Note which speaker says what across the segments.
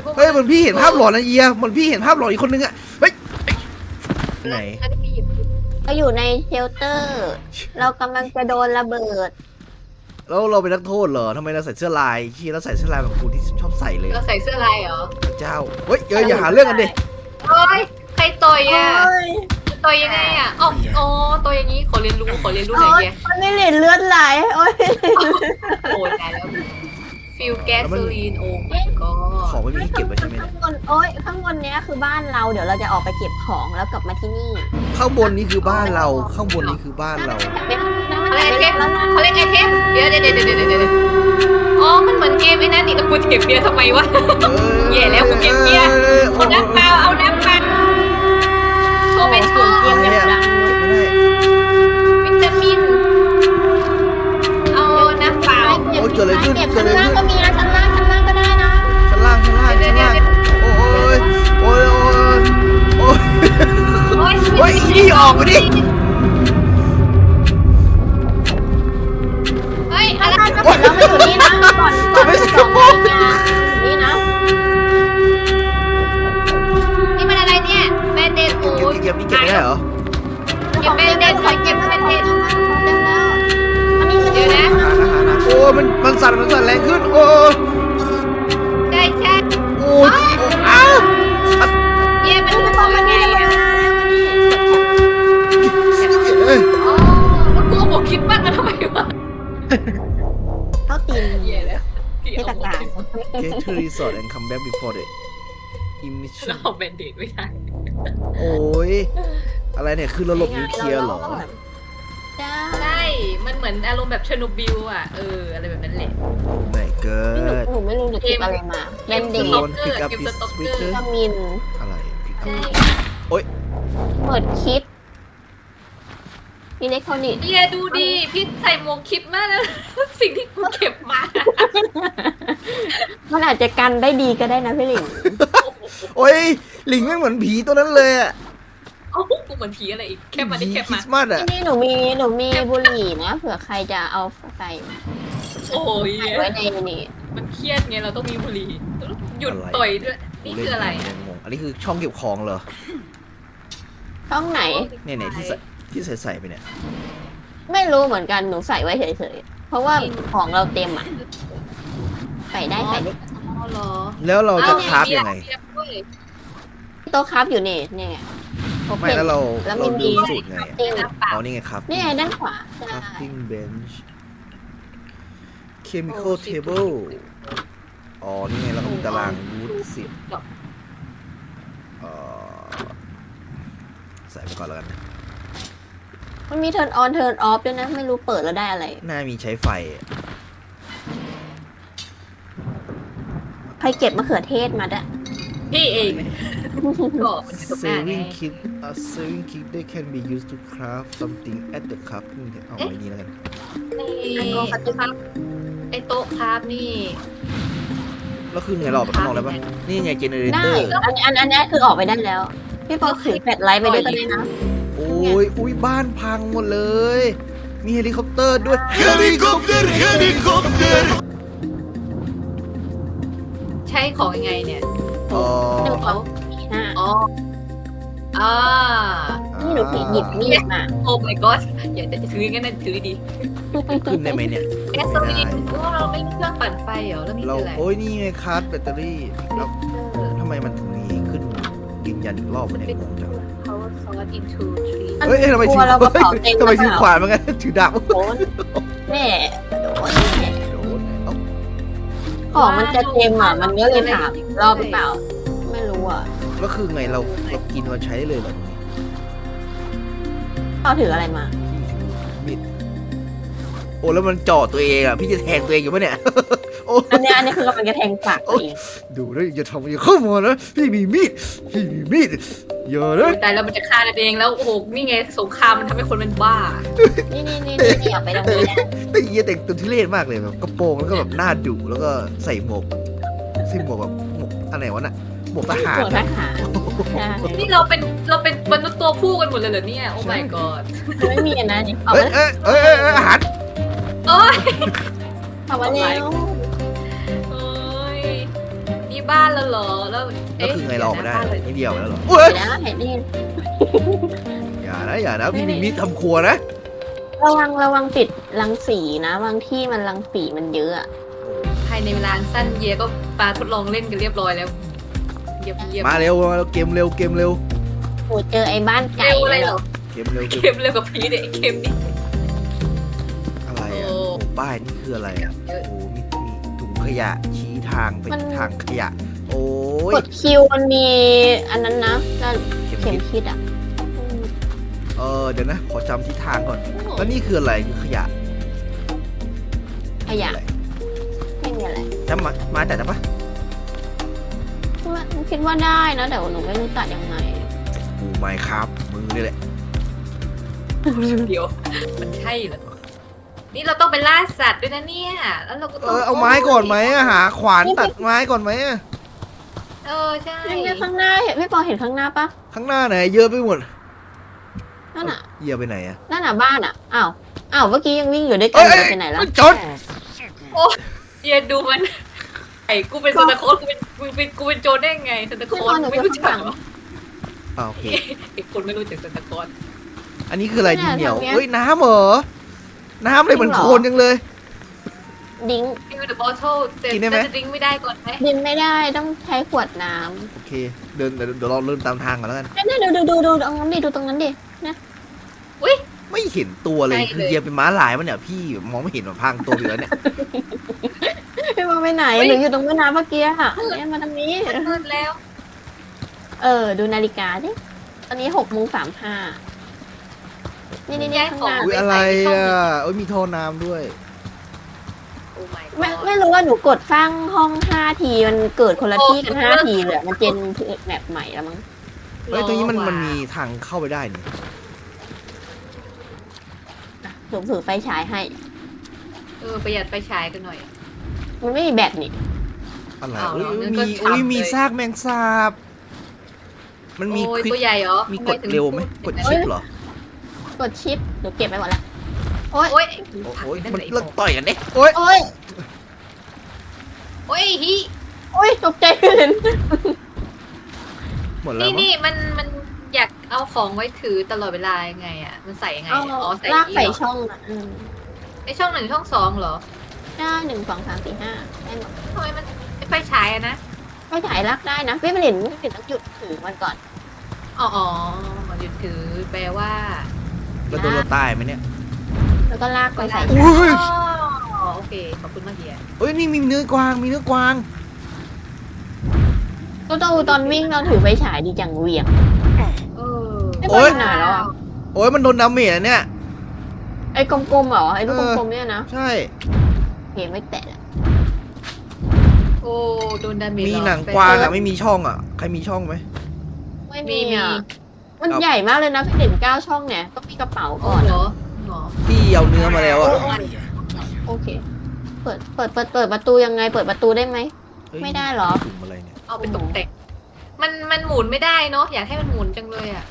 Speaker 1: วก
Speaker 2: เฮ้ยเหมือนพี่เห็นภาพหลอนนะเอียเหมือนพี่เห็นภาพหลอนอีกคนนึงอะเฮ้ยไหน
Speaker 1: แล้วพี่หยิบ
Speaker 3: เราอยู่ในเชลเตอร์ เรากำลังจะโดนระเบิด
Speaker 2: แล้วเราเป็นนักโทษเหรอทำไมเราใส่เสื้อลายที่เราใส่เสื้อลายแบบครูที่ชอบใส่เลย
Speaker 1: เราใส่เสื้อลายเหรอ
Speaker 2: พระเจ้าเฮ้ยอย่าหาเรื่องกันดิ
Speaker 1: โอ้ยใครต่อยอ่ะ
Speaker 3: โอ้ย
Speaker 1: ต่อยยังไงอ่ะอ๋อต่อยอย่างนี้ขอเรียนรู้หน่อยแก
Speaker 3: มันไม่เหลือเลือดไหลโอ้ย
Speaker 1: โอ้ยตายแล้วฟิลแก๊สโซลีนโอ้ยก็
Speaker 2: ของไม่มีที่เก็บไว้ใช่ไหม
Speaker 3: ข้า
Speaker 2: เนี่ย
Speaker 3: งบนโอ้ยข้างบนเนี้ยคือบ้านเราเดี๋ยวเราจะออกไปเก็บของแล้วกลับมาที่นี่
Speaker 2: ข้างบนนี้คือบ้านเราข้างบนนี้คือบ้านเรา
Speaker 1: เขาเล่นไอเทมเขาเล่นไอเทมเดี๋ยวอ๋อมันเหมือนเกมไอ้นั่นนี่แล้วกูจะเก็บเบียร์ทำไมวะ แย่แล้วกูเก็บเบียร์เอาน้ำเปล่าเอาน้ำเปล่าโชว์ไม่ชอบ
Speaker 3: เกมอย่างดัง
Speaker 2: ไม่ได้
Speaker 1: วิตามินเอาน้ำเปล่า
Speaker 3: เก็บชั้นล่างก็มีนะชั้นล่างก็ได้นะ
Speaker 2: ชั้นล่างโอ้ยโอ้ยโอ้ย
Speaker 1: โอ้ย
Speaker 2: โอ้ยอีออกมาดิ
Speaker 1: เฮ้ยอะไร
Speaker 3: ถ้าจะเสร็จแล้วมาอยู่นี่นะก่อนนี่นะ
Speaker 1: นี่มันอะไรเนี่ยแบนเดนโอ้ย
Speaker 2: เก็บนี่เก็บไม่ได้เหรอ
Speaker 1: เก็บแบนเดนขอเก็บแบนเดน
Speaker 3: เต็มแล้วอันนี้คือ
Speaker 1: เดี๋ยวนะ
Speaker 2: โอ้มันสั่นแรงขึ้นโอ้
Speaker 1: ใช่
Speaker 2: โอ้อ้าว
Speaker 1: เย่มัน
Speaker 3: จะ
Speaker 1: จะ
Speaker 3: บบ อ
Speaker 1: อก ก
Speaker 3: มั
Speaker 1: มัน น
Speaker 3: นี่
Speaker 1: ไง
Speaker 3: เลย
Speaker 1: อ่ะอ๋อแล้วกูบอกคิดมันมาทำไมวะ
Speaker 3: เขาตีน
Speaker 1: เย่แล้ว
Speaker 3: เทศกาล
Speaker 2: Get to resort and come back before the emission
Speaker 1: เราเอาแบนเดนไม่ได้
Speaker 2: โอ้ยอะไรเนี่ยคือระบบนิวเคลียร์เหรอ
Speaker 1: ใช่ มันเหมือนอารมณ์แบบเชอร์โนบิลอ่ะอะไรแบบนั้นแหละ
Speaker 2: ไม่เกิด
Speaker 3: หนูไม่รู้หนูคิดอะไรมาเล่นเด็ก
Speaker 2: โดน pick up this speaker
Speaker 3: วิตามิน
Speaker 2: อะไร
Speaker 1: ใช่
Speaker 3: เปิดคิดอิเล็กทรอนิกส์
Speaker 1: เย่ดูดิพี่ใส่หมวกคิดมากนะ สิ่งที่กูเก็บมา
Speaker 3: มันอาจจะกันได้ดีก็ได้นะพี่หลิง
Speaker 2: โอ้ยหลิงไม่เหมือนผีตัวนั้นเลยอะ
Speaker 1: เอ้ากูเหมือนผีอะไรอีกแค่มาได้
Speaker 2: ผี
Speaker 1: แค่
Speaker 2: คริ
Speaker 1: มา
Speaker 2: สต์มาสอะ
Speaker 3: นี่หนูมีบุหรี่นะเผื่อใครจะเอาใส่
Speaker 1: โอ้ย
Speaker 3: ไว้ในนี่
Speaker 1: มันเครียดไงเราต้องมีบุหรี่หยุดต่อยด้วยนี่คืออะไรอะ
Speaker 2: งงอันนี้คือช่องเก็บของเหรอ
Speaker 3: ช่องไหน
Speaker 2: เนี่ยที่ใส่ไปเนี่ย
Speaker 3: ไม่รู้เหมือนกันหนูใส่ไว้เฉยๆเพราะว่าของเราเต็มอ่ะใส่ได้
Speaker 1: อ๋อเหรอ
Speaker 2: แล้วเราจะคราฟยังไง
Speaker 3: โต๊ะครับอยู่นี่ไง
Speaker 2: ไม่แล้วเรา
Speaker 3: แล้ว
Speaker 2: เรา
Speaker 3: มี
Speaker 2: ดูสูตรไง
Speaker 3: ติ้ง
Speaker 2: อ๋อนี่ไงครับ
Speaker 3: นี่ไงด้านขวาใช่
Speaker 2: crafting bench chemical table อ๋อนี่ไงเราก็มีตารางวูดสิบใส่ไปก่อนแล้วกัน
Speaker 3: มันมี turn on turn off ด้วยนะไม่รู้เปิดแล้วได้อะไร
Speaker 2: น่ามีใช้ไฟ
Speaker 3: ใครเก็บมะเขือเทศมาด้วย
Speaker 1: พี่เองก็มันอยู่ตรงหน้าไง
Speaker 2: saving kit a saving kit they can be used to craft something at the crafting เอาไว้นี่แล้วกัน
Speaker 1: ไอโต๊ะครับนี่
Speaker 2: แล้วคือไงเราออกไปข้างนอกได้ปะนี่ไงเจเนเร
Speaker 3: ได้
Speaker 2: เตอร์
Speaker 3: อันนี้คือออกไปได้แล้ว พี่ปอถือแฟลชไลท์ไปด้วยก็ได้นะ
Speaker 2: โอ้ยอุ้ยบ้านพังหมดเลย มีเฮลิคอปเตอร์ด้วย
Speaker 4: Helikopter, helikopter!
Speaker 1: ใช้ของยังไงเนี่ย
Speaker 2: อ๋อ
Speaker 3: หนึ่ง
Speaker 1: เอา
Speaker 3: ห้า
Speaker 1: อ๋ออ่า
Speaker 3: นี่หนูถือหยิบมีดมา
Speaker 1: โอ้ my god อยากจะถืองั้นนะถือดี
Speaker 2: ขึ้นได้ไหมเนี่ย
Speaker 1: แก๊สโซลีนเราไม่มีเครื่องปั่นไฟเหรอแล้วนี่
Speaker 2: เรา
Speaker 1: คืออะไร
Speaker 2: โอ้ยนี่ไงคาร์ดแบตเตอรี่แล้วทำไมมันถึงมีขึ้นยืนยันอีกรอบมันเนี่ยงงจัง
Speaker 1: power source into tree
Speaker 2: เฮ้ยทำไม
Speaker 3: ก
Speaker 2: ถื
Speaker 3: ลัวเรากระเป๋าเต็ม
Speaker 2: ทำไมถือขวานมันกันถือดาบ
Speaker 3: โดนแม่โดนแม่
Speaker 2: โดนเอา
Speaker 3: ของมันจะเต็มอ่ะ มันก็เลยถามรอบหรือเปล่า ไม่รู้อ่ะ
Speaker 2: แล้วคือไงเรากินเราใช้ได้เลยเหรอ
Speaker 3: เขาถืออะไรมา
Speaker 2: มีดโอ้แล้วมันจ่อตัวเองอ่ะพี่จะแทงตัวเองอยู่ปะเนี่ย โอ้
Speaker 3: อันนี้คือกำลังจะแทงปากตัวเอง
Speaker 2: ดูนะอย่าทำอย่าเข้ามานะพี่มีมีดอย่านะ
Speaker 1: แต่เรามันจะฆ่ากันเองแล้วโอ้โหนี่ไงสงครามมันทำให้คนเป็นบ้า
Speaker 3: นี่เอาไปตรงนี้นะ
Speaker 2: แต่เหี้ยแต่งตัวทุเรศมากเลยแบบกระโปรงแล้วก็แบบหน้าดุแล้วก็ใส่หมวกแบบหมวกอะไรวะน่ะหมวกทหาร
Speaker 3: หัวทหารใช่
Speaker 1: นี่เราเป็นมนุษย์ตัวผู้กันหมดเลยเหรอเนี่ยโอ้ my god
Speaker 3: ไม่มีอันนั้นเอา
Speaker 2: เอ้ย
Speaker 3: มา
Speaker 2: อาหาร
Speaker 1: โอ้ย
Speaker 3: เอามาแล้ว
Speaker 1: โอ้ยนี่บ้านแล้วเหรอแล้ว
Speaker 2: ก็คือไงเราออกมาได้
Speaker 1: บ้านเลย
Speaker 2: นี่เดียวแล้วเหรอ
Speaker 3: เห็นแล้วเห็นนี่
Speaker 2: อย่านะพี่มิมี่ทำครัวนะ
Speaker 3: ระวังติดรังสีนะบางที่มันรังสีมันเยอะอะ
Speaker 1: ภายในเวลาสั้นเยก็ปาทดลองเล่นกันเรียบร้อยแล้วเยี่ยม
Speaker 2: มาเร็วเกมเร็ว
Speaker 3: โอ้เจอไอ้บ้านไก่
Speaker 1: เร็วอะไร
Speaker 3: เลย
Speaker 1: เหรอ
Speaker 2: เกมเร็ว
Speaker 1: เกมเร็วกับพีเนี่ยไอ้เกมนี้
Speaker 2: อะไรอ่ะ
Speaker 1: โอ้
Speaker 2: โอ้ป้ายนี่คืออะไรอ่ะโอ้มีถุงขยะชี้ทางไปทางขยะ โอ้ย
Speaker 3: กดคิวมันมีอันนั้นนะแล้ว
Speaker 2: เข็ม
Speaker 3: เข็ม
Speaker 2: ทิศ
Speaker 3: ทิศอ่ะ
Speaker 2: เดี๋ยวนะขอจำทิศทางก่อน แล้วนี่คืออะไรคือขยะ
Speaker 3: ขยะ
Speaker 2: อะไร
Speaker 3: ไม่มีอะไร
Speaker 2: จำมาแต่ปะ
Speaker 3: คิดว่าได้นะแต่ว่าหนูไม่รู้ตัดยังไง
Speaker 2: กูไม่ครับมือนี่แหละ
Speaker 1: เดี๋ยวมันใช่เหรอนี่เราต้องไปล่าสัตว์ด้วยนะเนี่ยแล้วเราก็ต้อง
Speaker 2: เอาไม้ก่อนไหมอะหาขวานตัดไม้ก่อนไหมอะ
Speaker 1: ใช่
Speaker 3: นี่ข้างหน้าเห็นพี่ปอเห็นข้างหน้าปะ
Speaker 2: ข้างหน้าไหนเยอะไปหมด
Speaker 3: นั่นอ่ะ
Speaker 2: เยี่ยไปไหนอะ
Speaker 3: นั่นอ่ะบ้านอ่ะอ้าวเมื่อกี้ยังวิ่งอยู่ด้วยกั
Speaker 2: เอ้
Speaker 3: น
Speaker 2: ย
Speaker 3: เลยไปไหนแล้ว
Speaker 2: จด
Speaker 1: โอ้เดี๋ยวดูมันไอ้กูเป็นซานตาคลอสกูเป็นโจรได้ไงซานตาคลอสไม่รู้จักเหรอ
Speaker 2: โอเค
Speaker 1: ไอ้คนไม่รู้จักซานตาคลอส
Speaker 2: อันนี้คืออะไรดินเหนียวเฮ้ยน้ำเหรอ น้ำเลยเหมือนโคลนจังเลย
Speaker 3: ดิ้ง
Speaker 1: ฟิวเดอะบอทเทิลแต่
Speaker 2: กินได้ไหม
Speaker 1: น่าจะดริ้งไม่ได้ก่อนไหม
Speaker 3: ดินไม่ได้ต้องใช้ขวดน้
Speaker 2: โอเค เดี๋ยวเราเริ่มตามทางก่อนแล้วกัน
Speaker 3: ำนี่ดูตรงนั้นดิดูตรงนั้นดินะ
Speaker 1: อุ้ย
Speaker 2: ไม่เห็นตัวเลย
Speaker 1: ใช่
Speaker 2: คือ
Speaker 1: เลย
Speaker 2: เหยียบเป็นม้าลายมันเนี่ยพี่มองไม่เห็นหรอกพังตัวอยู่แล้วเนี่ย
Speaker 3: พี่ปอไปไหนหนูอยู่ตรงแม่น้ำเมื่อกี้ค่ะเนี่ยมาทางนี้
Speaker 1: มืดแล้ว
Speaker 3: ดูนาฬิกาดิตอนนี้6:35นี่ข้างหน้า
Speaker 2: อุ้ยอะไรอ่ะโอ้ยมีท่อน้ำด้วย
Speaker 1: โอ้ my
Speaker 3: ไม่รู้ว่าหนูกดสร้างห้อง5 ทีมันเกิดคนละที่กัน5 ทีเลยมันเจนแมปใหม่แล้วมั้ง
Speaker 2: เฮ้ยตรงนี้มันมีทางเข้าไปได้นี่
Speaker 3: หนูถือไฟฉายให้
Speaker 1: ประหยัดไฟฉายกันหน่อย
Speaker 3: มันไม่มีแบตนี่
Speaker 2: อะไร
Speaker 1: อ้าว
Speaker 2: อุ้ย
Speaker 1: งั้นก็
Speaker 2: มี
Speaker 1: ฉ่ำ
Speaker 2: อุ้ยมี
Speaker 1: เลย
Speaker 2: ซากแมงสาบ มันมี
Speaker 1: โอ้ย
Speaker 2: คลิป
Speaker 1: ตัวใหญ่เหรอ
Speaker 2: มีกดเร็วไหมกดชิปเหรอ
Speaker 3: กดชิปหนูเก็บไปหมดแล้วโอ๊ย
Speaker 1: โอ้ย
Speaker 2: โอ้ย
Speaker 1: นั่น
Speaker 2: มัน
Speaker 1: ไอ้
Speaker 2: เลิกต่อยกันเด้โอ้ย
Speaker 3: โอ๊ย
Speaker 1: โอ้ยฮิ
Speaker 3: โอ๊ยตกใจเห็น
Speaker 2: หมดแล้วมั้ง
Speaker 1: นี่มันอยากเอาของไว้ถือตลอดเวลายังไงอ่ะมันใส่ยังไง
Speaker 3: เอา
Speaker 1: อ๋อใส่
Speaker 3: ลาก
Speaker 1: นี่
Speaker 3: ใส่
Speaker 1: เหรอ
Speaker 3: ช่องอ่ะ
Speaker 1: ไอช่อง1ช่อง2เหรอ
Speaker 3: ได้1 2 3 4 5ได้หมด
Speaker 1: ทำไมมันไอ้ไฟฉายอะนะ
Speaker 3: ไฟฉายลากได้นะไม่เป็นต้องหยุดถือมันก่อน
Speaker 1: อ๋อหยุดถือแปลว่า
Speaker 2: แล้วโดนเราตายไหมเนี่ย
Speaker 3: แล้วก็ลากไปใส่
Speaker 2: อุ้ย
Speaker 1: อ๋อโอเคขอบคุณมากเฮีย
Speaker 2: เอ้ยนี่มีเนื้อกวางมีเนื้อกวาง
Speaker 3: ก็ต้องตอนวิ่งเราถือไฟฉายดีจังเหวียง
Speaker 1: เออ
Speaker 3: ไม่ค่อยหนาแล้วอ่ะ
Speaker 2: โอ้ยมันโดนดาเมจอะเนี่ย
Speaker 3: ไอ้กลมๆเหรอไอ้ลูกกลมๆเนี่ยนะ
Speaker 2: ใช่
Speaker 3: เห็นไม่แตะอะ
Speaker 1: โอ้โดนดาเมจ
Speaker 2: มี
Speaker 1: เรอ
Speaker 2: หนังกวางอะไม่มีช่องอะใครมีช่องไหม
Speaker 3: ไม่
Speaker 1: มี
Speaker 3: มีอ่ะ
Speaker 1: มี
Speaker 3: มันใหญ่มากเลยนะพี่เด่น9 ช่องเนี่ยต้องมีกระเป๋า
Speaker 1: อ๋อ
Speaker 3: ก่อน
Speaker 1: เหร
Speaker 3: อะ
Speaker 1: อหรอ
Speaker 2: พี่เอาเนื้อมาแล้วอะ
Speaker 3: โอเค เปิดประตูยังไงเปิดประตูได้ไหม
Speaker 2: เฮ้ย
Speaker 3: ไม่ได้เหรอ
Speaker 2: ถุงอะไรเนี่ย
Speaker 1: เอาไปตกแต่งมันหมุนไม่ได้เนาะอยากให้มันหมุนจังเลยอ่ะ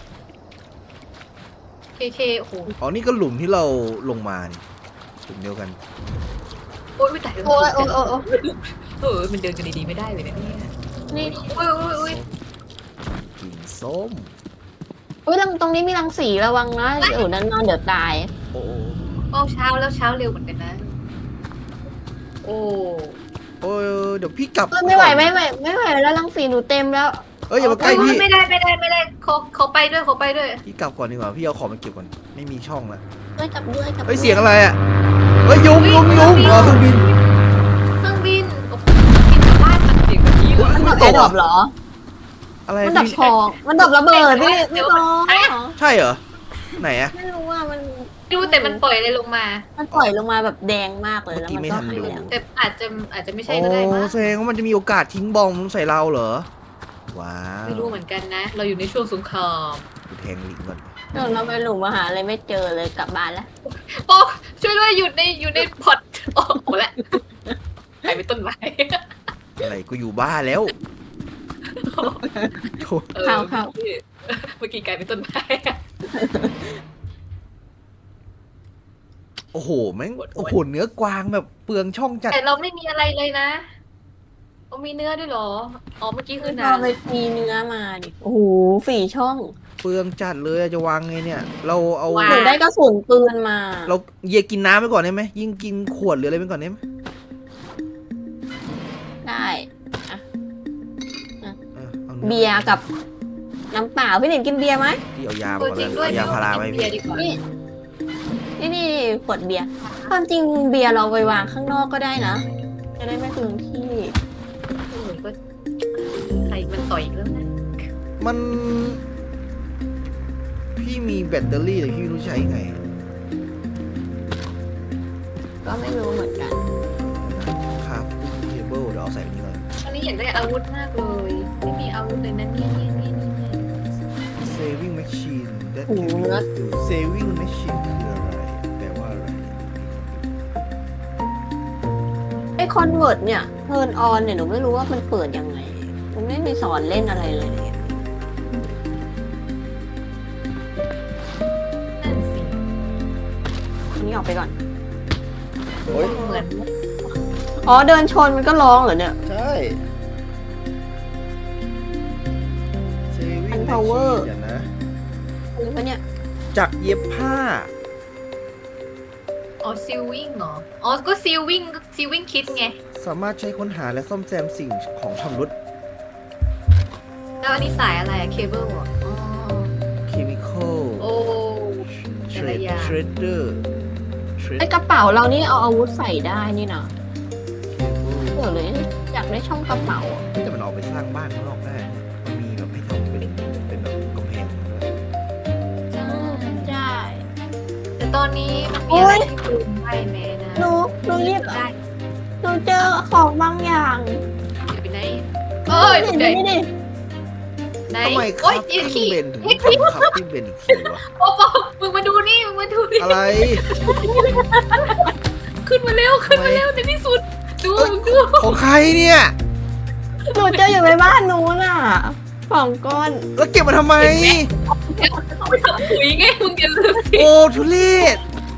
Speaker 1: เคโอ้โห
Speaker 2: อ๋อนี่ก็หลุมที่เราลงมานี่หลุมเดียวกัน
Speaker 1: โอ้ยแต่
Speaker 3: โอ้ยโอ้ยโอ้ยโอ้ย
Speaker 1: มันเดินกันดีๆไม่ได้เลยนะเนี่ย
Speaker 3: นี่
Speaker 1: อุ้ย
Speaker 2: กินส้ม
Speaker 3: อุ้ยตรงนี้มีรังสีระวังนะนั่นนอนเดี๋ยวตาย
Speaker 2: โอ้โห
Speaker 1: โอ้เช้าแล้วเช้าเร็วเหมือนกันนะ โอ้
Speaker 2: โอ้ยเดี๋ยวพี่กลับ
Speaker 3: ไม่ไหว
Speaker 2: ก่อน
Speaker 3: ไม่ไหวแล้วรังสีหนูเต็มแล้ว
Speaker 2: เอ้ยอย่ามาใกล้พี่
Speaker 1: ไม่ได้เขาไปด้วย
Speaker 2: พี่กลับก่อนดีกว่าพี่เอาของมาเก็บก่อนไม่มีช่องแล้ว
Speaker 3: ด้วยกับด้วยกับ
Speaker 2: เฮ้ยเสียงอะไรอะเฮ้ยยุงอ๋อเครื่องบิน
Speaker 1: เครื่องบินโอ้โหบินจากบ้านมันเสียงแบบนี้เลย
Speaker 3: มันดับแอร์ดรอปเหรอ
Speaker 2: อะไร
Speaker 3: มันดับ
Speaker 2: พี่
Speaker 3: คอมันดับระเบิดไม่พอ
Speaker 2: ใช่เหรอไหนอะ
Speaker 3: ไม่รู้ว่ามัน
Speaker 1: ดูแต่มันปล่อยอะไรลงมา
Speaker 3: มันปล่อยลงมาแบบแดงมากเลย
Speaker 2: เมื่อ
Speaker 3: แล้ว
Speaker 2: กี้
Speaker 3: มัน
Speaker 2: ไม่
Speaker 3: ก็
Speaker 2: ทัน
Speaker 3: หาย
Speaker 2: ดู
Speaker 3: ไปแล้ว
Speaker 1: แต่อาจจะไม่ใช่
Speaker 2: โอ้
Speaker 1: ก็ได้มั้ง
Speaker 2: แสดงว่ามันจะมีโอกาสทิ้งบอมใส่เราเหรอว้าว
Speaker 1: ไม่รู้เหมือนกันนะ เราอยู่ในช่วงสงคราม
Speaker 2: กูแทงลิงก่อน
Speaker 3: เราไปหลุมอาหารอะไรไม่เจอเลยกลับบ้านแล้ว
Speaker 1: โอ้ช่วยด้วยอยู่ในพอตโอ้โหละไปเป็นต้นไม้
Speaker 2: อะไรกูอยู่บ้านแล้วโถ่
Speaker 3: เข้า
Speaker 1: เมื่อกี้กลายเป็นต้นไม้
Speaker 2: โอ้โหแม่งโอ้โหเนื้อกวางแบบเปลืองช่องจัด
Speaker 1: แต่เราไม่มีอะไรเลยนะโอ้มีเนื้อด้วยเหรออ๋อเมื่อกี้คือ
Speaker 3: เรา
Speaker 1: น้ำ
Speaker 3: ไปตีเนื้อมาดิโอ้โห4 ช่อง
Speaker 2: เปลืองจัดเลยอะจะวางไงเนี่ย เราเอา
Speaker 3: หนูได้กระสุนปืนมา
Speaker 2: เราเยกินน้ำไปก่อนได้ไหมยิ่งกินขวดหรืออะไรไปก่อนได้ไหม
Speaker 3: ได้
Speaker 2: เอานื้อ
Speaker 3: เบียร์กับน้ำเปล่าพี่หนิงกินเบียร์ไหม
Speaker 2: พี่เอายา
Speaker 1: เอ
Speaker 2: มา
Speaker 1: อ
Speaker 2: ก่อน
Speaker 1: จริง
Speaker 2: เลย
Speaker 1: ด้วย
Speaker 2: เอายาพาราไป
Speaker 1: เบี
Speaker 2: พี่
Speaker 1: ยร์ดีกว่า
Speaker 3: นี่ขวดเบียร์ความจริงเบียร์เราไปวางข้างนอกก็ได้นะ จะได้ไม่เปลืองที่
Speaker 1: โอ้ยก็ใครมันต่อยอีกแล้วนะ
Speaker 2: มัน พี่มีแบตเตอรี่แต่พี่ไม่รู้ใช้ไง
Speaker 3: ก็ไม่รู้เหมือนกัน
Speaker 2: ครับเคเบิลเดี๋ยวเอาใส่นี่ก่อน
Speaker 1: ตอนนี้อยากได้อาวุธมากเลยไม่มีอาวุธเลยนะเนี่ย
Speaker 2: saving machine that
Speaker 3: โอ้โห
Speaker 2: can
Speaker 3: เนื้อ
Speaker 2: be used saving machine คืออะไรแปลว่าอะไร
Speaker 3: ไอคอนเวิร์ตเนี่ยเทิร์นออนเนี่ยหนูไม่รู้ว่ามันเปิดยังไง มันไม่มีสอนเล่นอะไรเลย
Speaker 1: นั่นสิ
Speaker 3: อันนี้ออกไปก่อน
Speaker 2: โอ้ย
Speaker 1: เหมือน
Speaker 3: อ๋อเดินชนมันก็ร้องเหรอเนี่ย
Speaker 2: ใช่ saving
Speaker 3: Unpower
Speaker 2: machine เดี๋ยวนะ
Speaker 3: หรือว่าเนี่ย
Speaker 2: จักรเย็บผ้า
Speaker 1: อ๋อซิลวิ่งเหรออ๋อก็ซิลวิ่งคิดไง
Speaker 2: สามารถใช้ค้นหาและซ่อมแซมสิ่งของชำรุด
Speaker 1: แล้วอันนี้สายอะไรอะเคเบิลอ่ะอ๋อ
Speaker 2: chemical
Speaker 1: โอ้แต่ละอย่าง
Speaker 2: shredder
Speaker 3: ไอกระเป๋าเรานี่เอาอาวุธใส่ได้นี่นะ
Speaker 2: cable
Speaker 3: เดี๋ยวเลยอยากได้ช่องกระเป๋าอะ
Speaker 2: แต่มันออกไปสร้างบ้านข้างนอกได้นะมันมีแบบให้ทำเป็นแบบกำแพงด้วย
Speaker 1: ใช่
Speaker 3: ใช่
Speaker 1: แต่ตอนนี้มันมีอะไรที่ดูได้แม่นะ
Speaker 3: หนูรีบ
Speaker 1: ได้
Speaker 3: หนูเจอของบางอย่าง
Speaker 1: เดี๋ยวไปไหนเอ้ย
Speaker 3: นี่
Speaker 1: ไหน
Speaker 3: นี่
Speaker 1: ไหน
Speaker 2: ทำไมค
Speaker 1: โอ้
Speaker 2: รั
Speaker 1: ย
Speaker 2: บ
Speaker 1: ยืน
Speaker 2: พี่
Speaker 1: ขี้
Speaker 2: เบนถึงขับพี่เบนอีกทีวะ
Speaker 1: โอ้โหมึงมาดูนี่มึงมาดูนี่
Speaker 2: อะไร
Speaker 1: ขึ้นมาเร็วในที่สุดดูดู
Speaker 2: ของใครเนี่ย
Speaker 3: หนูเจออยู่ในบ้านหนูน่ะของก้อน
Speaker 2: แล้วเก็บมาทำไม
Speaker 1: เอาไปทำปุ๋ยไงมึงอย่าลืมสิ
Speaker 2: โอ้ทุเรศ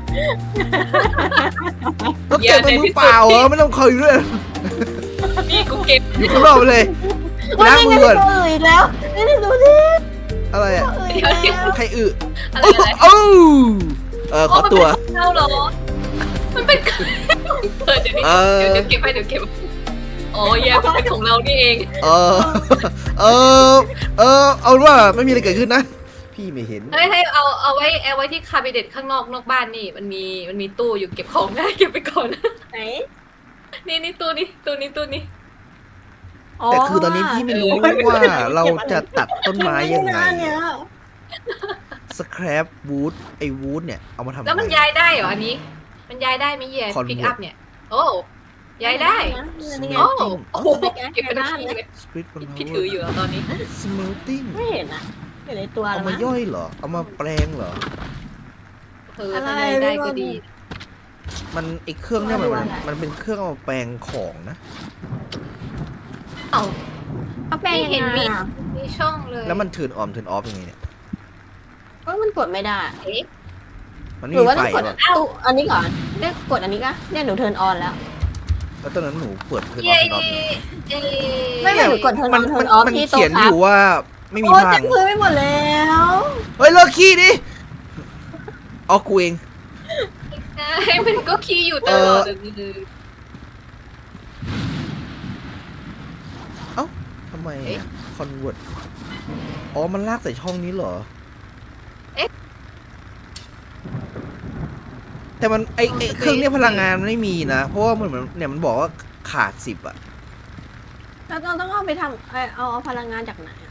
Speaker 2: แล้วเก็บมามือเปล่าเหรอไม่ต้องคอยด้วย
Speaker 1: นี่กูเก็บ
Speaker 2: อยู่ข้างนอกไปเลยไปล้างมือก่อน
Speaker 3: ตัวอื่นแล้วนี่ดูสิ
Speaker 2: อะไรอ่ะ
Speaker 3: ตัวอื่นแล้ว
Speaker 2: ใครอึ
Speaker 1: อะไร
Speaker 2: โอ้
Speaker 1: อะไร
Speaker 2: โอ้ขอตัว
Speaker 1: มันเป็นของเราเหรอมันเป็นเดี๋ยวนี้เดี๋ยวเก็บให้เดี๋ยวเก็บอ๋อแย่มันเป็นของเรานี่เอง
Speaker 2: เออเอาว่าไม่มีอะไรเกิดขึ้นนะ พี่ไม่เห็น
Speaker 1: เฮ้ยให้เอาไว้ที่คาบิเน็ตข้างนอกบ้านนี่มันมีตู้อยู่เก็บของได้เก็บไปก่อน
Speaker 3: ไหน
Speaker 1: นี่ตู้นี้
Speaker 2: แต่คือตอนนี้พี่ไม่รู้ว่าเราจะตัดต้นไม้ยังไง
Speaker 3: เนี่ย
Speaker 2: สแครปวูดไอ้วูดเนี่ยเอามาทำ
Speaker 1: แล้วมันย้ายได้เหรออันนี้ มันย้ายได้ไหมแย่พิกอัพเนี่ย โอ้ย้ายได้
Speaker 3: นี่ไง
Speaker 1: โอ้โหเก็บไปทุกที่เลย
Speaker 2: สปริต
Speaker 1: พี่ถืออยู่ตอนนี้
Speaker 2: สเมลติ้ง
Speaker 3: ไม่เห็นอะเห็นในตัว
Speaker 2: เอา
Speaker 3: แล้ว
Speaker 2: มา
Speaker 3: มั้ง
Speaker 2: ย่อยเหรอเอามาแปลงเหรอ
Speaker 1: ถ้าย้ายได้ก็ดี
Speaker 2: มันไอ้เครื่องเนี่ยมันเป็นเครื่องเอามาแปลงของนะ
Speaker 1: เอ้า
Speaker 3: เอาแปลง
Speaker 1: ไม่เห็นมี
Speaker 3: ยังไงอะ
Speaker 1: มีช่องเลย
Speaker 2: แล้วมันเทิร์นออมเทิร์นออฟยังไงเนี่ย
Speaker 3: เอ้ยมันกดไม่ได้
Speaker 1: เอ๊ะ
Speaker 2: มันไม่
Speaker 3: หรือ
Speaker 2: มี
Speaker 3: ว่า
Speaker 2: ไฟ
Speaker 3: ต้องกด
Speaker 2: หรอ
Speaker 3: ตู้อันนี้ก่อนเนี่ยกดอันนี้ก็เนี่ยหนูเทิร์นออนแล้ว
Speaker 2: แล้วตอนนั้นหนูเปิดเทิร์นออ
Speaker 1: เย้
Speaker 2: ฟเทิร์นออฟ
Speaker 1: เย้
Speaker 3: ไม่หนูกดเทิร์นอ
Speaker 2: มั
Speaker 3: อน นเทิร์นออฟ
Speaker 2: มัน
Speaker 3: ที่
Speaker 2: เขียน
Speaker 3: โต๊ะ
Speaker 2: อยู่ว่าไม่มี
Speaker 3: โอ้
Speaker 2: ทา
Speaker 3: เต็
Speaker 2: ง
Speaker 3: มพื้นไปหมดแล้ว
Speaker 2: เฮ้ยเลิกขี้ดิเอากูเอง
Speaker 1: ให้มันก็คีย์อยู่ตลอด
Speaker 2: ทำไมคอนเวิร์ตอ๋อมันลากใส่ช่องนี้เหรอ แต่มันไอเครื่องเนี้ยพลังงานมันไม่มีนะ เพราะว่ามันเหมือนเนี่ยมันบอกว่าขาด10อ่ะ
Speaker 3: แล้วเราต้องเอาไปทำเอาพลังงานจากไหนอะ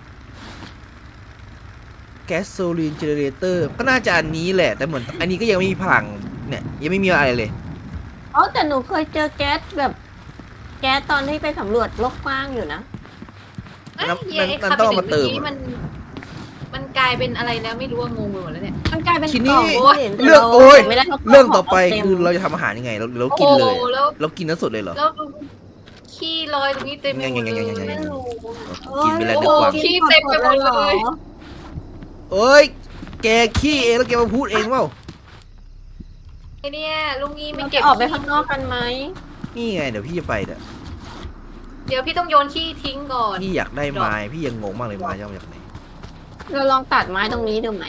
Speaker 2: แก๊สโซลีนเจเนเรเตอร์ก็น่าจะอันนี้แหละ แต่เหมือนอันนี้ก็ยังไม่มีพลังเนี่ยยังไม่มีอะไรเลย
Speaker 3: อ๋อแต่หนูเคยเจอแก๊สแบบแก๊สตอนที่ไปสำรวจโลกกว้างอยู่นะ
Speaker 2: มันต้องเอามาเติมอะ
Speaker 1: มันกลายเป็นอะไรแล้วไม่รู้ว่างงไปหมดแล้วเนี่ย
Speaker 3: มันกลายเป็น
Speaker 2: ที
Speaker 3: ก
Speaker 2: นี้
Speaker 3: ล่อง
Speaker 2: เรื่องโอ้ย
Speaker 3: ไม่ได้พราะ
Speaker 2: เรื่องต่อไป
Speaker 3: ขง
Speaker 2: คือ
Speaker 3: เต็ม
Speaker 2: เราจะทำอาหารยังไงเรากินเลย
Speaker 1: แล้ว
Speaker 2: เรากินนั้นสดเลยเหรอ
Speaker 1: แล้วขี้ลอยตรงนี้เต็มไปหมดเลย
Speaker 3: ไม่รู้
Speaker 2: กินไปแล้ว
Speaker 1: โอ้
Speaker 2: เดี๋ยว
Speaker 1: โห
Speaker 2: กวาง
Speaker 1: ขี้เต็มไปหมดเลย
Speaker 2: เอ้ยแกขี้เองแล้วแกมาพูดเองเปล่า
Speaker 1: ไอเนี่ยลุงงี้ไม่
Speaker 3: เรา
Speaker 1: เก็
Speaker 3: จะ
Speaker 1: บ
Speaker 3: ออกไปข้างนอกกันไหม
Speaker 2: นี่ไงเดี๋ยวพี่จะไปเด้อ
Speaker 1: เดี๋ยวพี่ต้องโยนขี้ทิ้งก่อน
Speaker 2: พี่อยากได้ไม้พี่ยังงงมากเลยไม้จะเอามาจากไหน
Speaker 3: เราลองตัดไม้ตรงนี้ดูไหม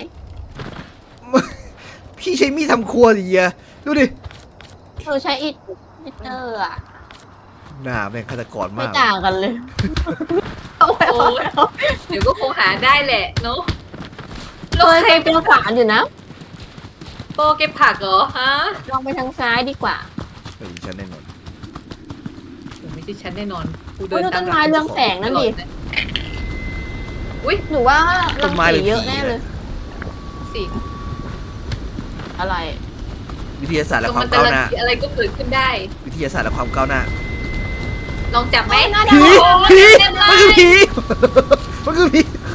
Speaker 2: พี่ใช้มีดทำครัวสิเฮียดูดิ
Speaker 3: เราใช้อิฐเตอร์อะ
Speaker 2: หน้าแม่งฆาตกร
Speaker 3: ไม่
Speaker 2: มาก
Speaker 3: ต่างกันเลย
Speaker 1: โอ้ยเดี๋ยวก็คงหาได้แหละเนาะ
Speaker 3: เคยเป็นฝานอยู่นะ
Speaker 1: โปเก็บผักเหรอฮะ
Speaker 3: ลองไปทางซ้ายดีกว่า
Speaker 2: เฮ้ยฉันแน่นอน
Speaker 1: โอ้ไม่ใช่ฉันแน่นอนกู
Speaker 3: ดูต้นไม้เรืองแสงนั่นดิ
Speaker 1: อุ้ย
Speaker 3: หนูว่ารังสีเยอะแน่เลย
Speaker 1: สิ
Speaker 3: อะไร
Speaker 2: วิทยาศาสตร์
Speaker 1: ต
Speaker 2: และ
Speaker 1: รง
Speaker 2: ควา
Speaker 1: มั
Speaker 2: ม
Speaker 1: นจะ
Speaker 2: ก้าวหน้า
Speaker 1: อะไรก็เกิดขึ้นได้
Speaker 2: วิทยาศาสตร์และความก้าวหน้า
Speaker 1: ลองจับไหม
Speaker 3: น่า
Speaker 2: ผี
Speaker 3: ได้
Speaker 2: ผีมันคือผีมันคือผี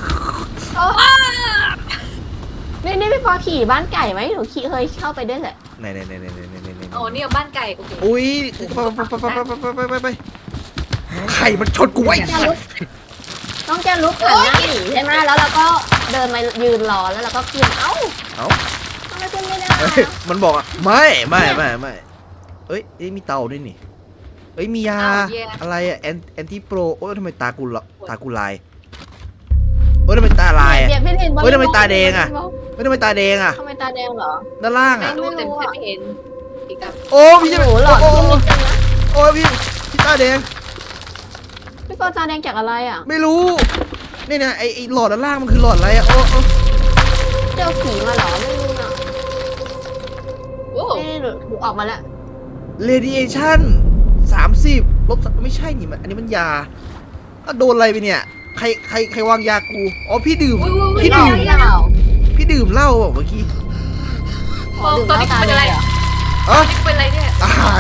Speaker 3: นี่พี่ปอขี่บ้านไก่ไหมหนูเคยเข้าไปด้วยแหละ
Speaker 2: ไหน
Speaker 1: โอ้นี่เอาบ้านไก่โอเค
Speaker 2: อุ้ยไปไข่มันชนกูไว้
Speaker 3: ต้องจะลุกหันหน้าหนีใช่ไหมแล้วเราก็เดินมายืนรอแล้วเราก็ขึ้นเอ้าทำไมขึ้นไม่ได้
Speaker 2: มันบอกอ่ะไม่เอ้ยมีเตาด้วยนี่เอ้ยมียาอะไรอ่ะแอนตี้โปรโอ้ยทำไมตากูลายเอ้ยทำไมตาลายอ่ะ เฮ้ยทำไมตาแดงอะ ไม่ทำไมตาแดงอ่ะ
Speaker 3: ทำไมตาแดงเหรอ
Speaker 2: ด้านล่าง
Speaker 1: ไม่
Speaker 2: อ่ะ
Speaker 1: รู้แต่ฉันไม่เห็นอีกครับ
Speaker 2: โอ้พี่จะ
Speaker 3: โอ้โหหลอด
Speaker 2: โอ้
Speaker 3: ที่มิดกันนะ
Speaker 2: โอ้พี่ตาแดง
Speaker 3: พี่ปอตาแดงจากอะไรอ่ะ
Speaker 2: ไม่รู้นี่นะไอหลอดด้านล่างมันคือหลอดอะไรอ่ะโอ้
Speaker 3: เจอผีมาเหรอไม่รู้นะ
Speaker 1: โอ้
Speaker 3: นี่หนูออกมาแล้ว
Speaker 2: เรดิเอชั่น30 ลบไม่ใช่นี่มันอันนี้มันยาโดนอะไรไปเนี่ยใครวางยากูอ๋อพี่ดื่ม พี่ดื่ม
Speaker 3: เปล่า
Speaker 2: พี่ดื่มเหล้าบอกเมื่อกี้
Speaker 1: ตอนนี้เป็นอะไร
Speaker 2: อ๋อ
Speaker 1: นี่เป็นอะไรเนี่ย
Speaker 2: อาหาร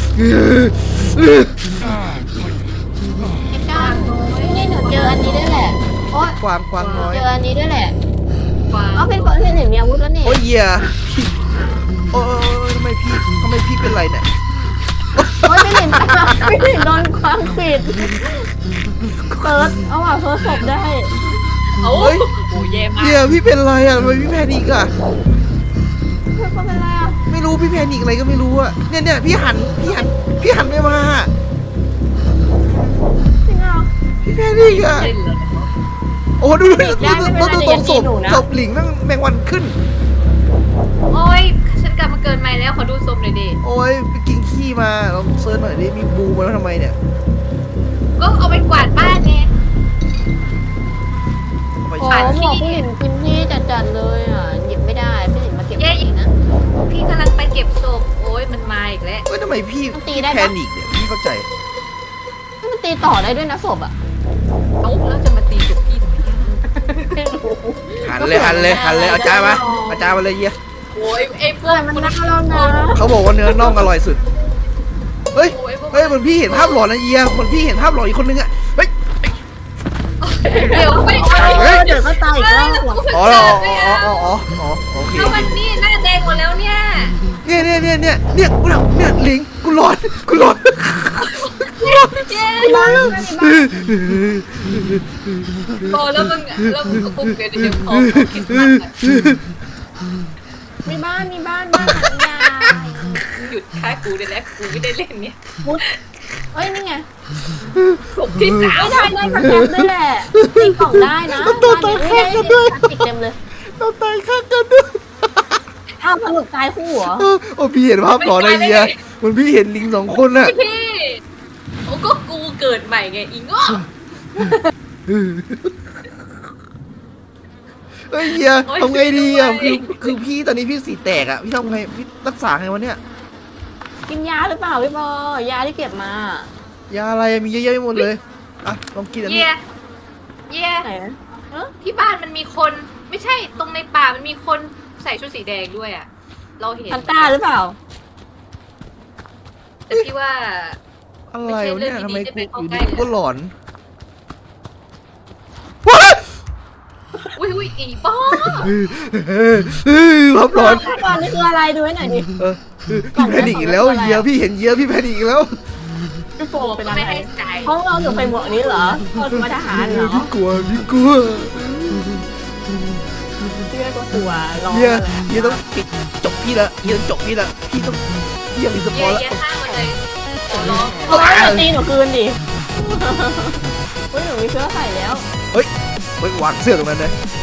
Speaker 3: ไอ้ก้านนี่หนูเจออันนี้ด้วยแหละโอ๊ย
Speaker 2: กวางน้อย
Speaker 3: เจออันนี้ด้วยแหละ
Speaker 1: ว้า
Speaker 3: อ๋อ
Speaker 1: ว
Speaker 3: เป็นคนที่หนึ่งมีอาวุธแล้วนี่
Speaker 2: โอ้ยเหี้ยพี่โอ้ยทำไมพี่เป็นไรเนี่ย
Speaker 3: โอ๊ยไม่เห็นโดนความผิดเฟิร์สเอาว่ะเฟิร์สศพได้
Speaker 1: โอ้ยโอ้แย่มาก
Speaker 2: เหี้ยพี่เป็นไรอ่ะทำไมพี่แพนิกอ่ะ
Speaker 3: เฟิร์สเป็นไรอ่ะ
Speaker 2: ไม่รู้พี่แพนิกอะไรก็ไม่รู้อ่ะเนี่ยพี่หันไม่มา
Speaker 3: จริงเหรอ
Speaker 2: พี่แพนิกอ่ะ
Speaker 1: เล่นเลย
Speaker 2: โอ้ดู
Speaker 3: ได้ไม่เป็นไร
Speaker 2: ตรง
Speaker 3: อย่าตีหนูนะ
Speaker 2: ศพหลิงนั่งแมงวันขึ้น
Speaker 1: โอ้ยฉันกลับมาเกินใหม่แล้วขอดูส้มหน่อยดิ
Speaker 2: โอ้ยไปกินขี้มาลองเซิร์ชหน่อยดิมีบูมาแล้วทำไมเนี่ย
Speaker 1: ก็เอาไปกวาดบ้านไง
Speaker 2: เอาไป
Speaker 3: โอ้
Speaker 2: ใช้
Speaker 3: หมอพี่หลินกินที่จัดๆเลยอ่ะหยิบไม่ได้พี่หลินมาเก็บเองนะ
Speaker 1: พี่กำลังไปเก็บศพโอ้ยมันมาอีกแล้ว
Speaker 2: เฮ้ยทำไมพี่
Speaker 3: มันตีได้ปะ
Speaker 2: แพนิกเนี่ยพี่เข้าใจ
Speaker 3: มันตีต่อได้ด้วยนะศพอ่ะ
Speaker 1: เอ้าแล้วจะมาตีกับพี่ทำไมเนี่ย
Speaker 3: ไม่รู้
Speaker 2: หันเลยเอาจารย์มาเลยเยี่ย
Speaker 1: โอ้ยไอ้พวก
Speaker 3: มันน่าเรานะ
Speaker 2: เขาบอกว่าเนื้อน่องอร่อยสุดเฮ้ย
Speaker 1: โอ้ยพวก
Speaker 2: เฮ้ยเหมือนพี่เห็นภาพหลอนนะเยียเหมือนพี่เห็นภาพหลอนอีกคนนึงอ่ะเฮ้ย
Speaker 1: เดี๋ยวไม่
Speaker 3: เดี๋ยวก็ตายอีกรอบว่ะ
Speaker 2: อ๋อโอเค
Speaker 1: แล้ววันนี้หน้าแดงหมดแล้วเนี่ย
Speaker 2: เนี่ยหลิงกูร้อน
Speaker 1: เย้
Speaker 3: บ้าน
Speaker 1: พอแล้วมึงก็กุ๊กเดี๋ยวพอเก็บผัก
Speaker 3: มีบ้านบ้านหันยา
Speaker 1: หยุดฆ่ากูได้แล้วกูไม่ได้เล่นเนี่ย
Speaker 3: เอ้ยนี่ไง
Speaker 1: กลุ่มที่สาม
Speaker 3: ไม่ได้กระแทกด้วยแหละตีกล่องได้นะติดเต็มเลย
Speaker 2: เราตายข้างกันด้วย
Speaker 3: อ้าวสรุปตายคู่เหรอ
Speaker 2: โอ้พี่เห็นภาพหลอนนะเยียเหมือนพี่เห็นลิง2 คนน่ะ
Speaker 1: พี่โอ้ก็กูเกิดใหม่ไงอีง้อ
Speaker 2: เฮ้ยเยียทำไงดีอ่ะคือพี่ตอนนี้พี่สีแตกอ่ะพี่ทำไงพี่รักษาไงวะเนี่ย
Speaker 3: กินยาหรือเปล่าพี่บอยาที่เก็บมาย
Speaker 2: าอะไรมีเยอะแยะไปหมดเลยอ่ะลองกินอันนี้
Speaker 1: เย่
Speaker 3: ไหน
Speaker 1: ที่บ้านมันมีคนไม่ใช่ตรงในป่ามันมีคนใส่ชุดสีแดงด้วยอ่ะเราเห็น
Speaker 3: พันต้าหรือเปล่า
Speaker 1: แต่พี่ว่า
Speaker 2: อะไรวะเนี่ยทำไมกูอยู่ดี
Speaker 1: ไม่ใช่เรื่องดีๆ
Speaker 2: กูก็หลอน
Speaker 1: อุ้ยอีป้อ
Speaker 2: ภาพหลอน
Speaker 3: ตอนนี้คืออะไรดูให้หน่อยดิ
Speaker 2: พี่แพนิกอีกแล้วเยียพี่เห็นเยียพี่แพนิกอีกแล้ว
Speaker 3: พี่โฟเป็น
Speaker 1: ก็
Speaker 3: อะไร
Speaker 1: ไม่ให้ใจ
Speaker 3: ห้องเราถึงไปหมวกนี้เหรอคนมาทหารเหรอ
Speaker 2: พี่กลัว
Speaker 3: พี่ก็กลัวร้อง
Speaker 2: เยียต้องปิดจบพี่ละเยียต้องจบพี่ละพี่ต้องพี่อยากรีสปอร์ตละ
Speaker 1: เย่ห้ามมาเลยขอร้อง
Speaker 3: โอ้ยตีหนูคืนดิเฮ้ยหนูมีเสื้อใส่แล้ว
Speaker 2: เฮ้ยวางเสื้อตรงนั้นเลย